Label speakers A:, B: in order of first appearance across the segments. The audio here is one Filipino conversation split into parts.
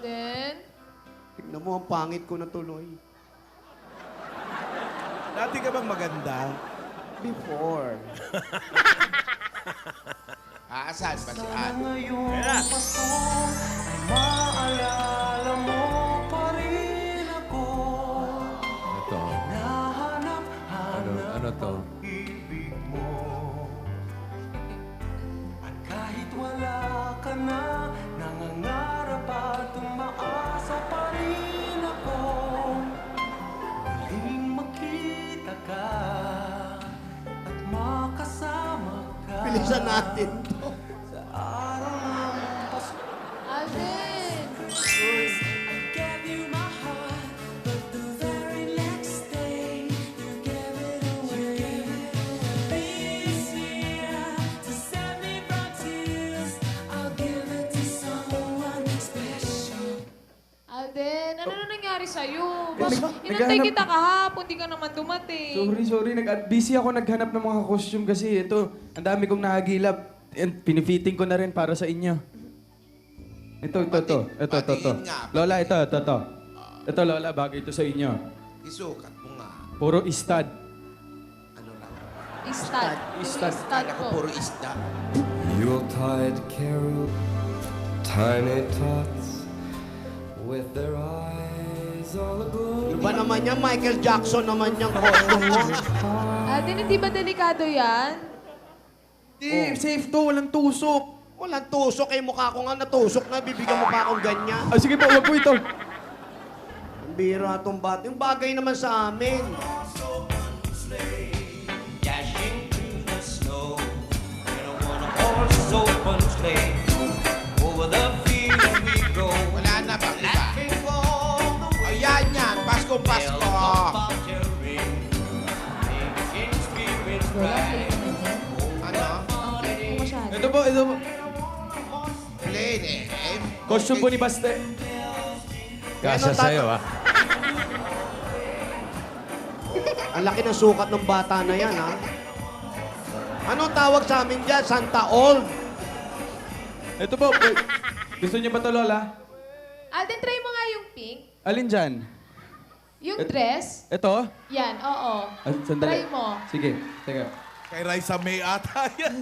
A: Alden?
B: Tignan mo, ang pangit ko na tuloy.
C: Dati ka bang maganda?
B: Before.
D: Saan ba si Ann?
C: Kaya.
E: Maalala mo pa rin ako.
F: Ito. Ano to?
E: Ibig mo. At kahit wala ka na, nangangarap at umaasa pa rin ako. Muling makita ka at makasama ka.
B: Bilisan natin to.
E: Sa araw ng Pasko.
A: Alden!
E: I gave you my heart, but the very next day you gave it away. This year, to save me from tears, I'll give it to someone special.
A: Alden, ano na nangyari sa'yo? Inantay
F: naghahanap-
A: kita kahapon, di ka naman dumating.
F: Sorry. Busy ako naghanap ng mga costume kasi ito, ang dami kong nahagilap. And pinifitting ko na rin para sa inyo. Ito.
D: Patingin nga.
F: Lola, ito. Ito, Lola, bagay ito sa inyo.
D: Isukat mo nga.
F: Puro istad.
D: Ano lang?
A: Istad.
F: Istad.
A: Istad
D: Kala ko
A: ko.
D: puro isda.
E: Yuletide carol, tiny tots with their eyes all aglow.
B: Iba naman yan, Michael Jackson naman yung costume mo.
A: Alden, hindi ba delikado yan?
F: Di, safe to, walang tusok.
B: Walang tusok eh, mukha ko nga natusok na, bibigyan mo pa akong ganyan.
F: Ah, sige po, wag po ito.
B: Ang bira itong bat. Yung bagay naman sa amin.
E: Dashing through the snow in a one-horse open sleigh. Over the field we go.
D: Wala na bang iba? Ayan yan. Pasko. Ano?
A: Hindi ko masyado.
F: Ito po.
D: Plain eh.
F: Costume po ni Baste.
B: Kasya sa'yo,
F: ah.
B: Ang laki ng sukat ng bata na yan, ha? Anong tawag sa amin dyan? Santa Old.
F: Ito po. Gusto niyo ba ito, Lola?
A: Alden, try mo nga yung pink.
F: Alin dyan?
A: Yung dress.
F: Ito?
A: Yan, oo.
F: Ah, sandali.
A: Try mo.
F: Sige, teka.
C: Kay Raisa May ata yan.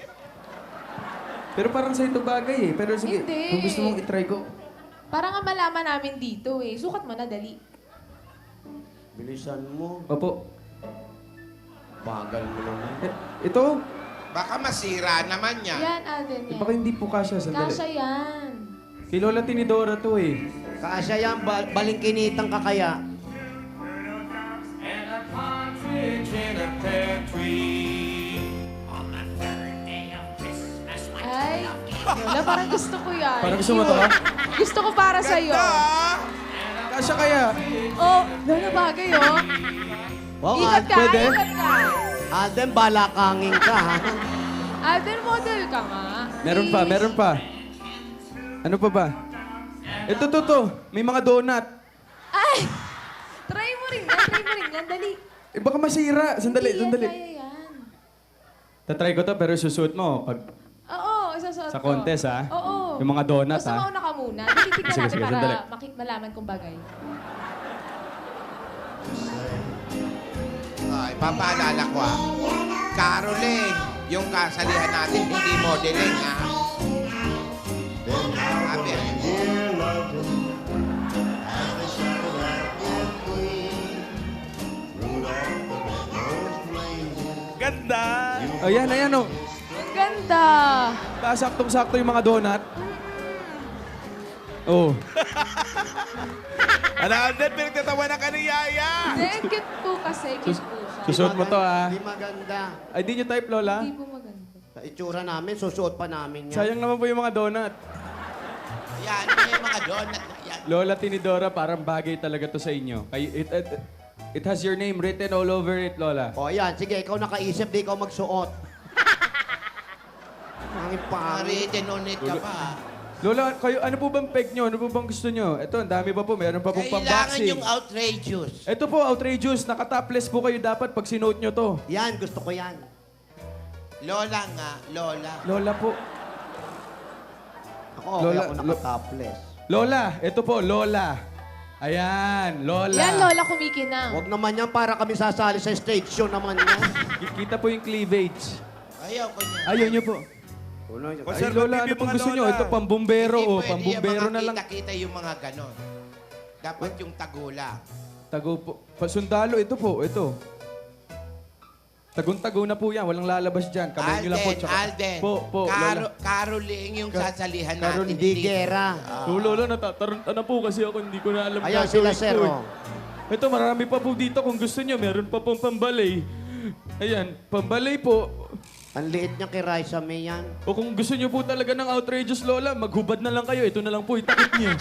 F: Pero parang sa ito bagay eh. Pero sige,
A: Hindi.
F: kung gusto mong itry ko.
A: Para nga malaman namin dito eh. Sukat mo na, dali.
B: Bilisan mo.
F: Opo.
B: Bagal mo naman.
F: Ito?
D: Baka masira naman yan.
A: Yan, Alden, yan.
F: Baka hindi po kasya. Sandali.
A: Kasha yan.
F: Kay Lola Tinidora to eh.
B: Kasya yan, balingkinitang ka kaya.
E: And a partridge in a pear tree. On the third day of Christmas, my
A: Ay, Lola, parang gusto ko yan.
F: Parang gusto mo to, ha?
A: Gusto ko para sa'yo.
F: Kasya kaya?
A: Oh, Lola, bagay oh.
B: Wow,
A: Ikot ka,
F: pwede?
A: ikot ka.
B: Alden, balakangin ka, ha?
A: Alden, model ka nga.
F: Meron pa. Ano pa ba? Ito, to. May mga donut.
A: Ay! Try mo rin yan, dali.
F: Eh, baka masira. Sandali.
A: Kaya yan.
F: Tatry ko to pero susuot mo pag
A: Oo, isasuot
F: sa
A: ko.
F: contest, ha?
A: Oo.
F: Yung mga donut,
A: Basta
F: ha?
A: mauna ka muna. Titignan
F: Sige,
A: natin
F: sige,
A: para
F: sandali.
A: malaman kung bagay.
D: Ay, papaalala ko Caroling, yung kasalihan natin, hindi modeling ha. Sabi.
C: Ganda.
F: Ayan, oh.
A: Ang ganda!
F: Saktong-sakto yung mga donut. Oh.
C: Ano, Alden, pinagtatawa na ka ni Yaya.
A: Hindi, cute po kasi. Cute po siya.
F: Susuot mo to, ha?
B: Hindi maganda.
F: Ay, di nyo type, Lola?
A: Hindi po maganda.
B: Sa itsura namin, susuot pa namin yan.
F: Sayang naman po yung mga donut.
D: Yan, yung mga donut na yan.
F: Lola Tinidora, parang bagay talaga to sa inyo. It has your name written all over it, Lola.
B: O, ayan. Sige, ikaw nakaisip, di ikaw magsuot. Pangit pangit.
D: Written on it ka pa.
F: Lola, kayo, ano po bang peg nyo? Ano po bang gusto nyo? Ito, ang dami pa po. Meron pa pong
D: Kailangan
F: pang-boxing.
D: yung outrageous.
F: Ito po, outrageous. Naka-topless po kayo dapat pag sinuot nyo to.
B: Yan, gusto ko yan.
D: Lola nga, Lola.
F: Lola po.
B: Ako, okay
F: Lola,
B: ako naka-topless.
F: Lola, ito po, Lola. Ayan, Lola.
A: Yan, Lola, kumikinang.
B: Huwag naman yan para kami sasali sa stage show naman yan.
F: Kita po yung cleavage.
D: Ayaw ko niya.
F: Ayaw niyo po. Ay, Lola, ano pong gusto nyo? Ito, pambumbero, oh. Pambumbero na lang.
D: Kita yung mga ganon. Dapat yung tagula.
F: Tago po. Pasundalo, ito po, ito. Tagong-tago na po yan. Walang lalabas dyan. Kamay nyo lang po.
D: Alden.
F: Po, Lola.
D: Caroling yung sasalihan natin.
B: Hindi gera.
F: So, Lola, natataranta na po kasi ako. Hindi ko na alam
B: Ayan
F: gagawin
B: sila, sir.
F: ko, eh.
B: Oh.
F: Ito, marami pa po dito kung gusto nyo. Meron pa pong pambalay. Ayan, pambalay po.
B: Ang liit niya kay Raisa May yan.
F: O kung gusto nyo po talaga ng outrageous, Lola, maghubad na lang kayo. Ito na lang po, itakip nyo.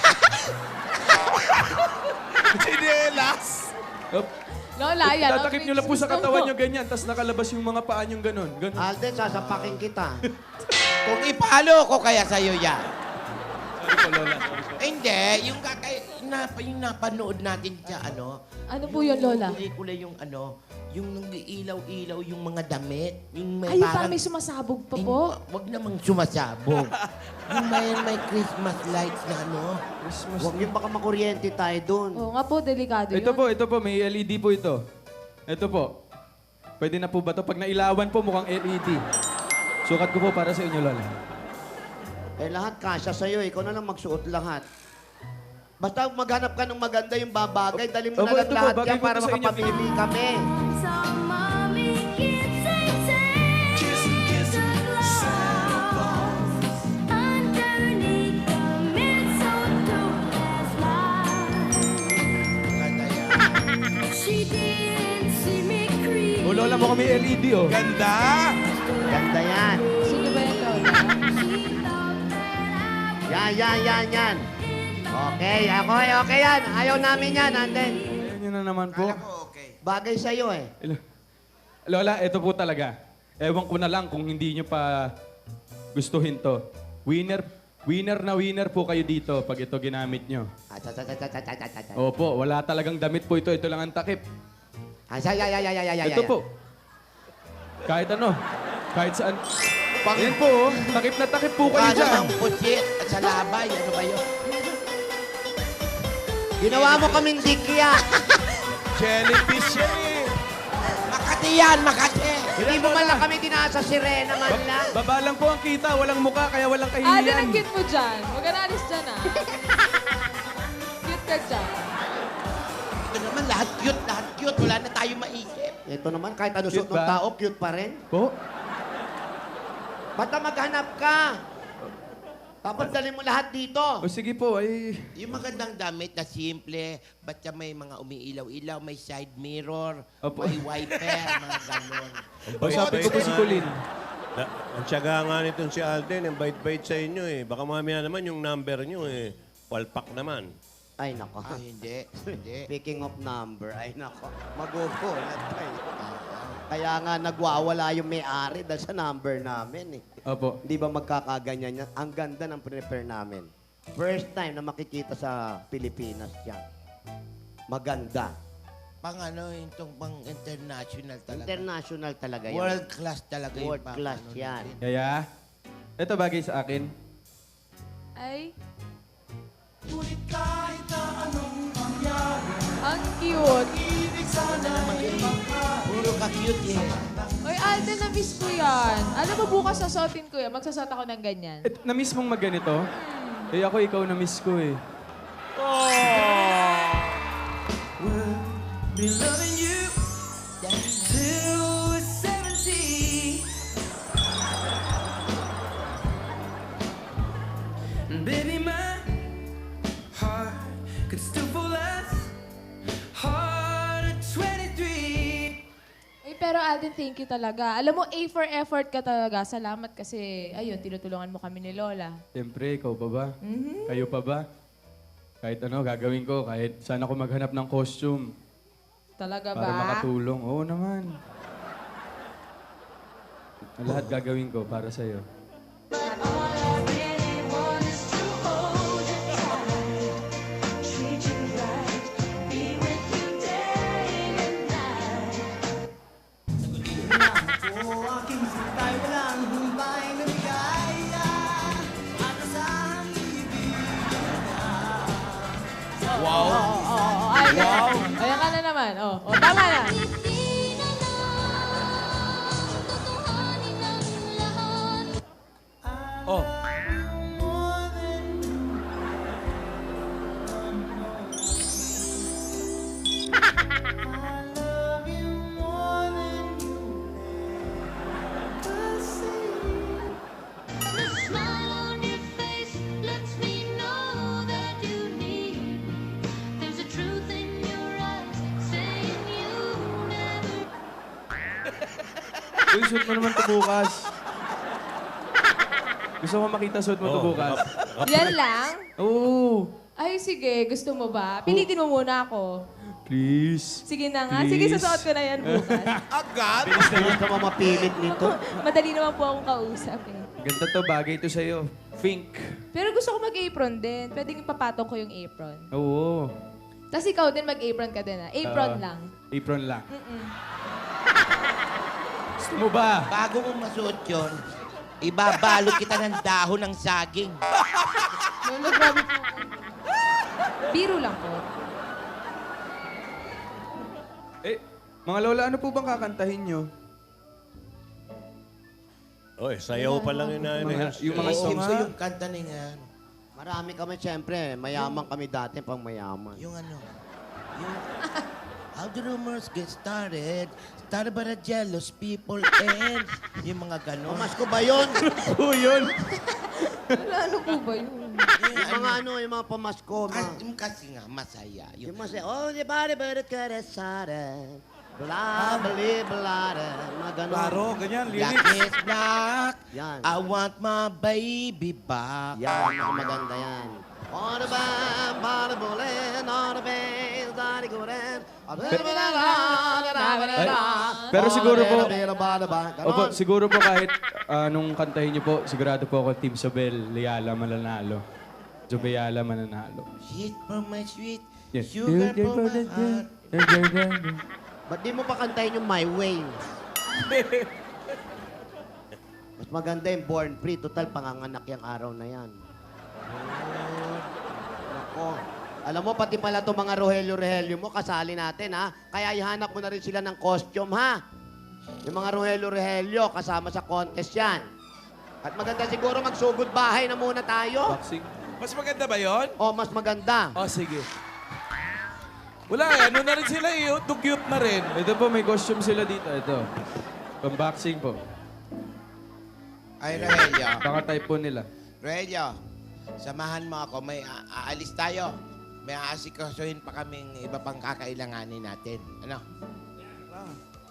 C: Chinelas!
F: Up.
A: Lola, yan.
F: Tatakip nyo lang po sa katawan nyo ganyan, tapos nakalabas yung mga paa nyo ganon. Ganon.
B: Alden, sasapakin kita.
D: Kung ipalo ko kaya sa'yo yan.
F: Sorry po, Lola. Sorry po.
D: Hindi, yung napanood natin sa
A: Ano po yun, Lola?
D: pelikula yung yung nag-iilaw-ilaw yung mga damit. Yung
A: Ay, parang may sumasabog pa po.
D: Wag namang sumasabog. Yung may Christmas lights na
F: Christmas.
B: Huwag yung baka makuryente tayo dun.
A: Oo nga po, delikado yun.
F: Ito po, may LED po ito. Ito po. Pwede na po ba ito? Pag nailawan po, mukhang LED. Sukat ko po para sa inyo, Lola.
B: Eh lahat kasya sa'yo. Ikaw na lang magsuot lahat. Basta maghanap ka ng maganda yung babagay. Dali mo
F: Opo,
B: na lang
F: ito po,
B: lahat
F: bagay
B: yan
F: po
B: para
F: ito sa inyo.
B: makapamili kami.
F: O, Lola, mukhang may LED, oh.
C: Ganda!
B: Ganda yan.
A: Sino ba yan, Lola?
B: Yan. Okay, okay yan. Ayaw namin yan, Anden.
F: Ayan yun na naman po.
D: okay.
B: Bagay sa'yo eh.
F: Lola, ito po talaga. Ewan ko na lang kung hindi nyo pa gustuhin to. Winner po kayo dito pag ito ginamit nyo. Opo, wala talagang damit po ito. Ito lang ang takip. Ito po. Kahit ano. Kahit saan. Yan po, oh. Takip na takip po kayo
D: Mukha
F: dyan.
D: namang pusit at sa labay. Ano ba yun?
B: Ginawa mo kaming dikya.
C: Jellyfish yan eh.
D: Makati yan, Makati!
B: Hindi mo man lang kami dinasa sirena man lang.
F: Baba lang po ang kita. Walang muka, kaya walang
A: Alden,
F: kahihiyan.
A: ang cute mo dyan. Huwag ka na alis dyan, ah. Cute ka dyan.
D: Ito naman, lahat cute. Wala na tayo maisip.
B: Ito naman, kahit ano
F: Cute
B: suot ng
F: ba?
B: tao, cute pa rin.
F: Po?
B: Basta maghanap ka. Tapos dali mo lahat dito.
F: O sige po, ay...
D: Yung magandang damit na simple, basta may mga umiilaw-ilaw, may side mirror,
F: Opo.
D: may wiper, mga ganon.
F: Usapin ko po si Colin.
G: Ang tiyaga nga nitong si Alden, ang bait-bait sa inyo eh. Baka mamaya naman yung number nyo eh. Palpak naman.
B: Ay, nako.
D: Hindi.
B: Speaking of number, ay nako. Magugulat tayo. Kaya nga nagwawala yung may-ari dahil sa number namin eh.
F: Opo.
B: Di ba magkakaganyan yan? Ang ganda ng prepare namin. First time na makikita sa Pilipinas yan. Maganda.
D: Itong pang international talaga.
B: International talaga yan.
D: World class talaga yung
B: World class yan.
F: Kaya, ito bagay sa akin.
A: Ay. Ang cute.
D: Puro ka-cute eh.
A: Oy, Alden, na-miss ko yan. Alam mo, bukas sasuotin ko yan. Magsasot ako ng ganyan.
F: Na-miss mong magganito? Eh ako, ikaw na-miss ko eh.
E: Be loving you till we're 70. And baby, my heart could still fall as hard at 23.
A: Uy, pero Alden, thank you talaga. Alam mo, A for effort ka talaga. Salamat kasi, ayun, tinutulungan mo kami ni Lola.
F: Siyempre, ikaw pa ba? Kayo pa ba? Kahit ano, gagawin ko. Kahit saan ako maghanap ng costume.
A: Talaga ba?
F: Para makatulong. Oo naman. Ang lahat gagawin ko para sa'yo.
C: Wow.
A: Ay, ayan ka na naman. Tama na.
C: Oh.
E: The smile on your face lets me know that you need me. There's a truth in your eyes saying you never.
F: Uy, suot mo naman ito bukas. Gusto mo makita suot mo ito bukas?
A: Yan lang?
F: Oo.
A: Ay, sige. Gusto mo ba? Pilitin mo muna ako.
F: Please.
A: Sige na nga.
F: Please.
A: Sige, susuot ko na yan bukas.
C: Agad?
B: Bilis naman ka mamapilit nito.
A: Madali naman po akong kausap eh.
F: Ganda to, bagay to sa'yo. Pink.
A: Pero gusto ko mag-apron din. Pwedeng ipapatong ko yung apron.
F: Oo.
A: Tapos ikaw din mag-apron ka din ah. Apron lang.
F: Apron lang. Gusto mo ba?
D: Bago mo masuot yun, ibabalot kita ng dahon ng saging.
A: Lolo, grabe po. Biro lang po.
F: Eh, mga lola, ano po bang kakantahin nyo?
G: Oy, sayaw pa lang yun na
F: Yung mga song
D: Gusto yung kanta ni nga,
B: Marami kami, siyempre. Mayaman kami dati pang mayaman.
D: yung ano, yung... How the rumors get started? Started by the jealous people and... Yung mga ganon.
B: Mas ko ba yun?
F: Oo, yun.
A: Ano po ba yun?
B: yung mga pamasko.
D: Kasi nga, masaya.
B: Yung mas, oh, di ba, ka resare. Bla, bali, blare. Mga ganon.
C: Klaro, ganyan,
D: Black
C: lyrics.
D: is black.
B: Yan.
D: I want my baby back.
B: Yan, mga maganda yan. On the band, body bullet, on the bass, daddy go then.
F: Pero siguro po-
B: Ganon.
F: Opo, siguro po kahit nung kantahin nyo po, sigurado po ako Team Sobel, Liala mananalo. Jobayala mananalo.
D: Sweet for my sweet,
F: Yes.
D: sugar for my heart.
B: Ba't di mo pa kantahin yung My Way? Mas maganda yung Born Free. Total, panganganak yung araw na yan. Nako. Alam mo, pati pala itong mga Rogelio-Rogelio mo, kasali natin, ha? Kaya ihanap mo na rin sila ng costume, ha? Yung mga Rogelio-Rogelio, kasama sa contest yan. At maganda siguro magsugod bahay na muna tayo.
F: Boxing.
C: Mas maganda ba yon?
B: O, mas maganda.
C: Oh, sige. Wala, ano na rin sila eh. Dugyot na rin.
F: Ito po, may costume sila dito. Ito. Pang-boxing po.
D: Ay, Rogelio.
F: Baka type po nila.
D: Rogelio, samahan mo ako. May aalis tayo. May aasikasuhin pa kaming iba pang kakailanganin natin. Ano?